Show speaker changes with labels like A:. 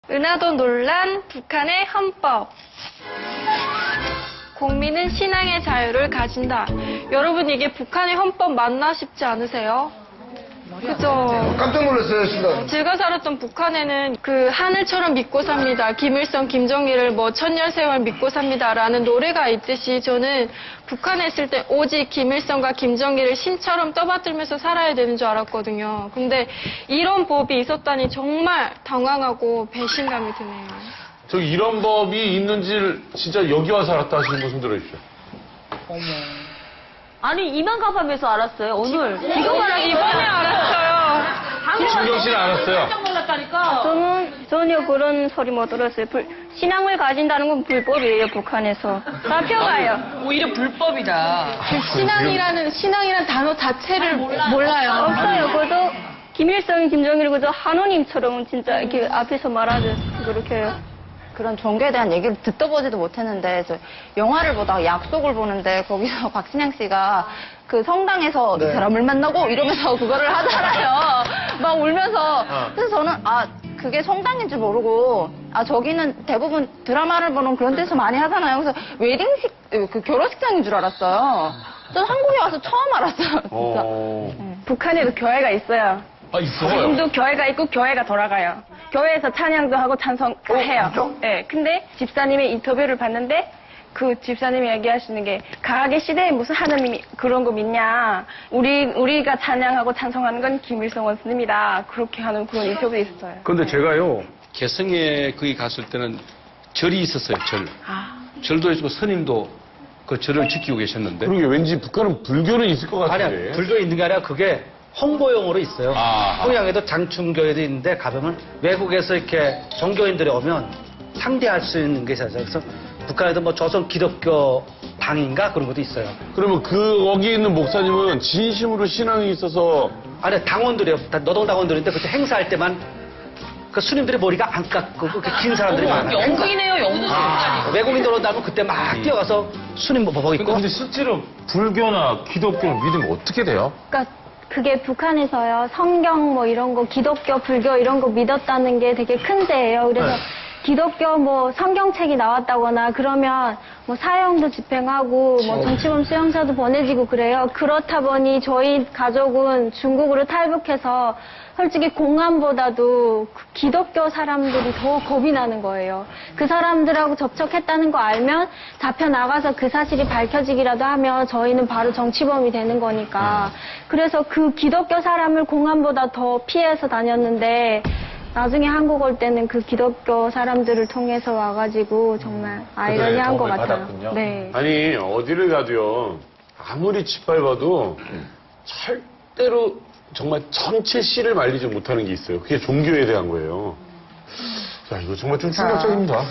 A: 은하도 논란, 북한의 헌법. 국민은 신앙의 자유를 가진다. 여러분, 이게 북한의 헌법 맞나 싶지 않으세요? 그죠?
B: 깜짝 놀랐어요, 순간.
A: 제가 살았던 북한에는 그 하늘처럼 믿고 삽니다. 김일성, 김정일을 뭐 천년세월 믿고 삽니다라는 노래가 있듯이 저는 북한에 있을 때 오직 김일성과 김정일을 신처럼 떠받들면서 살아야 되는 줄 알았거든요. 근데 이런 법이 있었다니 정말 당황하고 배신감이 드네요.
C: 저기 이런 법이 있는지 진짜 여기 와서 알았다 하시는 분 손 들어주십시오.
D: 어머. 아니, 이만갑하면서 알았어요, 오늘.
A: 이번에 알았어요.
C: 김준경 씨는 알았어요.
D: 깜짝 놀랐다니까.
E: 저는 전혀 그런 소리 못 들었어요. 신앙을 가진다는 건 불법이에요, 북한에서. 잡혀가요.
F: 오히려 불법이다.
A: 신앙이라는 단어 자체를 몰라요.
E: 없어요. 그것도 김일성, 김정일 그저 하느님처럼 진짜 이렇게 앞에서 말하듯 그렇게 해요.
G: 그런 종교에 대한 얘기를 듣도 보지도 못했는데 저 영화를 보다가 약속을 보는데 거기서 박신양 씨가 그 성당에서 이 사람을 만나고 이러면서 그거를 하잖아요. 막 울면서. 그래서 저는 그게 성당인 줄 모르고 저기는 대부분 드라마를 보는 그런 데서 많이 하잖아요. 그래서 웨딩식 그 결혼식장인 줄 알았어요. 저는 한국에 와서 처음 알았어요. 진짜.
E: 북한에도 교회가 있어요.
C: 있어요?
E: 지금도 교회가 있고 교회가 돌아가요. 교회에서 찬양도 하고 찬송해요. 네, 근데 집사님의 인터뷰를 봤는데 그 집사님이 얘기하시는 게 강하게 시대에 무슨 하느님이 그런 거 믿냐. 우리가 찬양하고 찬송하는 건 김일성 원스님이다. 그렇게 하는 그런 인터뷰도 있었어요.
H: 근데 제가요, 개성에 거기 갔을 때는 절이 있었어요, 절. 절도 있고 스님도 그 절을 지키고 계셨는데.
C: 그러게 왠지 북한은 불교는 있을 것 같은데.
I: 아니야, 불교 있는 게 아니라 그게 홍보용으로 있어요. 평양에도 장충교회도 있는데 가보면 외국에서 이렇게 종교인들이 오면 상대할 수 있는 게 있어요. 그래서 북한에도 뭐 조선 기독교 당인가 그런 것도 있어요.
C: 그러면 거기 있는 목사님은 진심으로 신앙이 있어서.
I: 아니, 당원들이요. 다 노동당원들인데 그때 행사할 때만 그 스님들의 머리가 안 깎고 그렇게 긴 사람들이 많아요.
F: 영국이네요, 영국.
I: 외국인들 온다면 그때 막 뛰어가서 스님 뭐 입고.
C: 근데 실제로 불교나 기독교를 믿으면 어떻게 돼요?
E: 그러니까 그게 북한에서요, 성경 뭐 이런 거, 기독교, 불교 이런 거 믿었다는 게 되게 큰 죄예요. 그래서 기독교 뭐 성경책이 나왔다거나 그러면 뭐 사형도 집행하고 뭐 정치범 수용소도 보내지고 그래요. 그렇다 보니 저희 가족은 중국으로 탈북해서 솔직히 공안보다도 그 기독교 사람들이 더 겁이 나는 거예요. 그 사람들하고 접촉했다는 거 알면 잡혀 나가서 그 사실이 밝혀지기라도 하면 저희는 바로 정치범이 되는 거니까. 그래서 그 기독교 사람을 공안보다 더 피해서 다녔는데 나중에 한국 올 때는 그 기독교 사람들을 통해서 와가지고 정말 아이러니한 것 같아요. 네.
C: 아니 어디를 가도요 아무리 짓밟아도 절대로 정말 전체 씨를 말리지 못하는 게 있어요. 그게 종교에 대한 거예요. 자, 이거 정말 좀 충격적입니다.